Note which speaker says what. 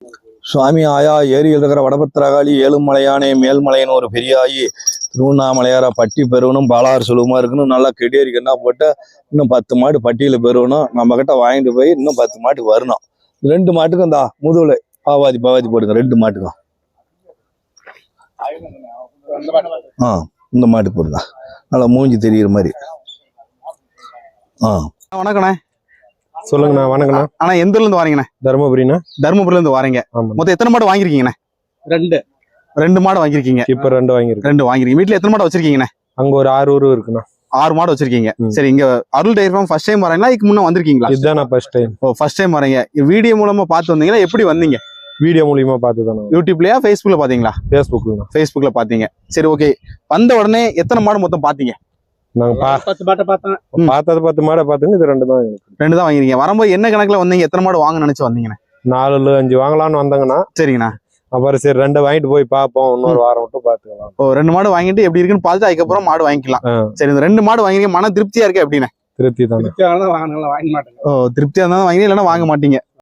Speaker 1: சுவாமி ஆயா ஏரியில் இருக்கிற வடபத்திரகாளி ஏழுமலையானே மேல்மலைன்னு ஒரு பெரிய ஆயி திருவண்ணாமலையார பட்டி பெறணும் பாலாறு சுலபமா இருக்கணும் நல்லா கெடியரிக்கன்னா போட்டு இன்னும் 10 மாடு பட்டியல பெறணும் நம்ம கிட்ட வாங்கிட்டு போய் இன்னும் 10 மாட்டுக்கு வரணும் 2 மாட்டுக்கும் இந்த முதுகுல பாவாதி போடுங்க 2 மாட்டுக்கும் இந்த மாட்டு போடுங்க நல்லா மூஞ்சி தெரியுற மாதிரி
Speaker 2: வணக்கண்ணே.
Speaker 3: சொல்லுங்கண்ணா. வணக்கண்ணா.
Speaker 2: ஆனா எந்த ஊர்ல இருந்து வாரீங்கண்ணே?
Speaker 3: தருமபுரிண்ணா.
Speaker 2: தருமபுரில இருந்து வாரீங்க. மொத்தம் எத்தனை மாடு வாங்கிருக்கீங்கண்ணே? 2 மாடு வாங்கிருக்கீங்க.
Speaker 3: இப்ப 2 வாங்கிருக்கேன்.
Speaker 2: 2 வாங்கிருக்கீங்க. வீட்டுல எத்தனை மாடு வச்சிருக்கீங்கண்ணே?
Speaker 3: அங்க ஒரு 6 ஊரு இருக்குண்ணா.
Speaker 2: 6 மாடு வச்சிருக்கீங்க. சரி, இங்க Arul dairy farm first time வரீங்களா? இதுக்கு முன்ன வந்திருக்கீங்களா?
Speaker 3: இதுதான் நான் ஃபர்ஸ்ட் டைம்.
Speaker 2: ஓ, ஃபர்ஸ்ட் டைம் வரீங்க. வீடியோ மூலமா பார்த்து வந்தீங்களா? எப்படி வந்தீங்க?
Speaker 3: வீடியோ மூலியமா பார்த்துதானே.
Speaker 2: யூடியூப்லயா ஃபேஸ்புக்ல பாத்தீங்களா? ஃபேஸ்புக்ல பாத்தீங்க. சரி, ஓகே. வந்த உடனே எத்தனை மாடு மொத்தம் பாத்தீங்க?
Speaker 3: நாங்க 10 மாடை பாத்துங்க. இது 2 தான்.
Speaker 2: 2 தான் வாங்கிருக்கீங்க. வரும்போது என்ன கணக்குல வந்தீங்க? எத்தனை மாடு வாங்க நினைச்சு வந்தீங்கண்ணே?
Speaker 3: 4-5 வாங்கலாம்னு வந்தாங்கண்ணா.
Speaker 2: சரிங்கண்ணா.
Speaker 3: அப்புறம் சரி 2 வாங்கிட்டு போய் பார்ப்போம், இன்னொரு வாரம் மட்டும் பாத்துக்கலாம்.
Speaker 2: ஓ, 2 மாடு வாங்கிட்டு எப்படி இருக்குன்னு பார்த்துட்டு அதுக்கப்புறம் மாடு வாங்கிக்கலாம். சரி, இந்த 2 மாடு வாங்கிருக்கீங்க, மன திருப்தியா இருக்கு எப்படின்னு?
Speaker 3: திருப்தி தானே.
Speaker 2: ஓ, திருப்தியா இருந்தாலும் வாங்கி இல்லைன்னா வாங்க மாட்டீங்க.